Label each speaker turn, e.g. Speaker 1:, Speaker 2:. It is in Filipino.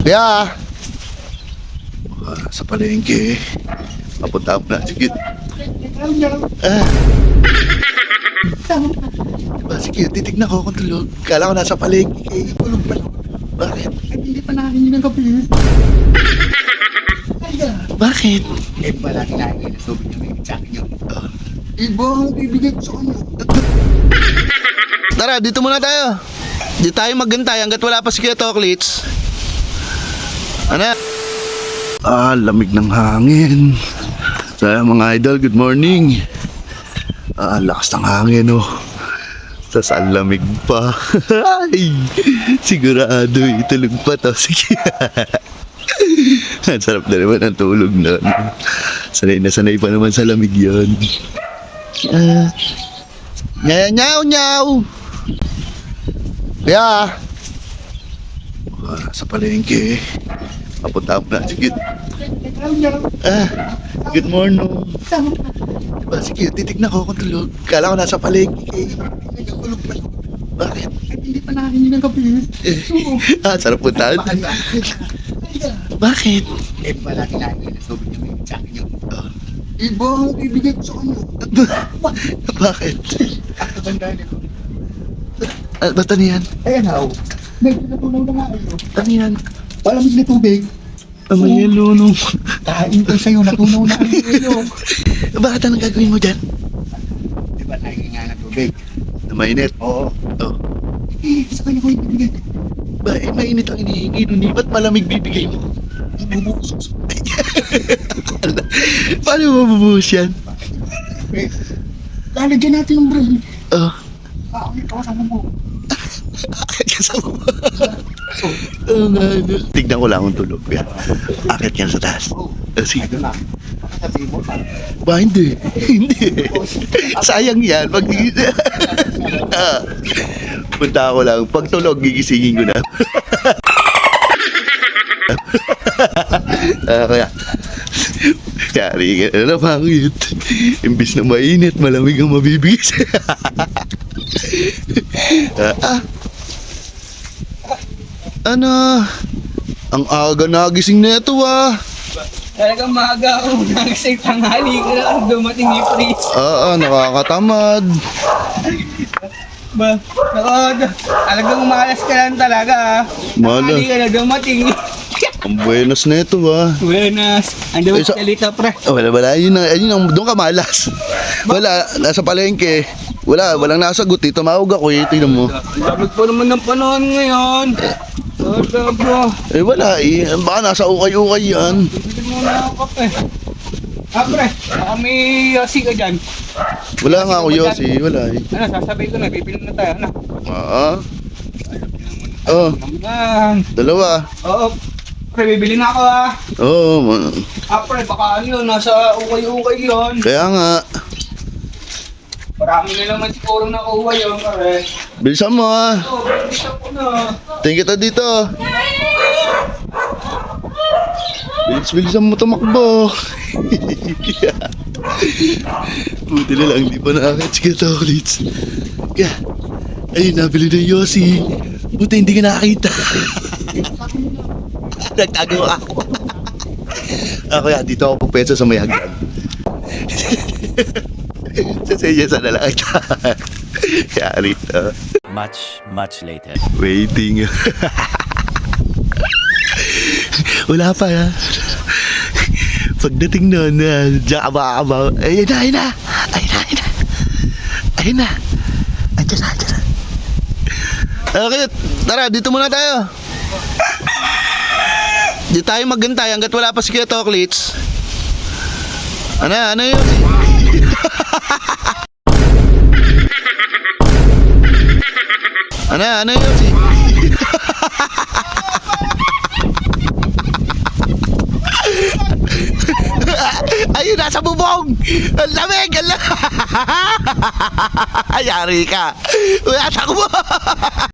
Speaker 1: Kuya! Sa palengke. Papunta ako na. Sige. Diba, sige, titignan ko kung tulog. Kala ko nasa palengke. Tulog pa lang. Bakit?
Speaker 2: Hindi pa nakakingin ng gabi.
Speaker 1: Bakit?
Speaker 2: Eh, wala kinain na sobrang niya may sa akin yun. Iba ang bibigay ko sa kanya.
Speaker 1: Tara, dito muna tayo. Di tayo maghintay hanggat wala pa si Kuya Toklits. Ano? Lamig ng hangin. So, mga idol, good morning. Lakas ng hangin, oh. Tapos ang lamig pa. Ay, sigurado, itulog pa to. Sige. Ang sarap na naman ang tulog na. Sanay na sanay pa naman sa lamig yun. Nyaw, nyaw. Kuya! Sa palengke. Papunta ako na. Sige. Good morning. Diba, sige, titignan ko kung tulog. Kala ko nasa palengke.
Speaker 2: Tulog pa lang.
Speaker 1: Bakit?
Speaker 2: Hindi pa nakakingin ng gabi.
Speaker 1: Sarap puntahan. Bakit?
Speaker 2: Eh, wala kinain na sobrang niya may sa akin yun. Iba ang bibigay ko sa kanya.
Speaker 1: Bakit?
Speaker 2: At katandaan nito.
Speaker 1: Ba't ano yan?
Speaker 2: Ayan how. Medyo natunaw na nga ayo.
Speaker 1: Ano yan?
Speaker 2: Palamig na tubig.
Speaker 1: May yelo nung...
Speaker 2: Kain ko sa'yo, natunaw na ang iyo.
Speaker 1: Bakit anong gagawin mo dyan?
Speaker 2: Di ba nahingin nga ng tubig?
Speaker 1: Na mainit?
Speaker 2: Oo.
Speaker 1: Oh.
Speaker 2: Sa kanya ko ibibigay.
Speaker 1: Ba, mainit ang inihingi nun eh. Ba't malamig bibigay mo?
Speaker 2: Ibubusos.
Speaker 1: Paano mo mabubuhos yan?
Speaker 2: Lalagyan natin ng brain.
Speaker 1: Oh.
Speaker 2: Ito kasama mo.
Speaker 1: Akit ka sa baba. Oo nga. Tignan ko lang kung tulog. Yan. Akit yan sa taas. Sige.
Speaker 2: Ito na. Sabihin mo pa.
Speaker 1: Ba, hindi. Hindi. Sayang yan. Pag... Punta ako lang. Pag tulog, gigisingin ko na. Kaya... Yari ka na pangit. Imbis na mainit, malamig ang mabibigis. Ano? Ang aga nagising na ito
Speaker 3: Talagang maaga ako nagsay tanghali ko lang dumating yung freeze.
Speaker 1: Nakakatamad.
Speaker 3: Talagang malas ka lang talaga.
Speaker 1: Malas.
Speaker 3: Tanghali ka na dumating.
Speaker 1: Ang buenas na ito
Speaker 3: Buenas. Ando
Speaker 1: Eh,
Speaker 3: mo salita pre.
Speaker 1: Wala. Doon ka malas. Wala, nasa palengke. Walang nasagot eh. Tumawag ako eh. Tingnan mo.
Speaker 3: Labig pa naman ng panahon ngayon. Bro.
Speaker 1: Wala eh. Baka nasa ukay-ukay yan.
Speaker 3: Bibili muna ako kape. Pre, baka may yosi ka dyan.
Speaker 1: Wala nga ako, Yossi. Wala eh.
Speaker 3: Ano, sasabihin ko na, bibili na tayo. Ano? Naman.
Speaker 1: Dalawa.
Speaker 3: Oo. Pre, bibili na ako pre, baka ano yun, nasa ukay-ukay yun.
Speaker 1: Kaya nga.
Speaker 3: Marami na naman siguro nakuha yun, pare.
Speaker 1: Bilisan mo
Speaker 3: Bilisan ko na.
Speaker 1: Tingin kita dito. Bilisan mo tumakbo. Buti na lang, di pa nakakit si Toklits. Kaya, ayun, nabili na yung Yossi. Buti hindi ka nakakita. Nagtago ako. Kaya dito ako pupwesto sa may hagdan. Sa senyasa na lang. Kaya rito.
Speaker 4: Much later.
Speaker 1: Waiting. Wala pa Pagdating nun, diyan aba. Ayun na. Andiyan na. Okay, tara, dito muna tayo. Di tayo maghintay hanggat wala pa si Kuya Toklits. Ano yun? Ano yun? Ayun, nasa bubong! Ang lamig! Yari ka! Takbo!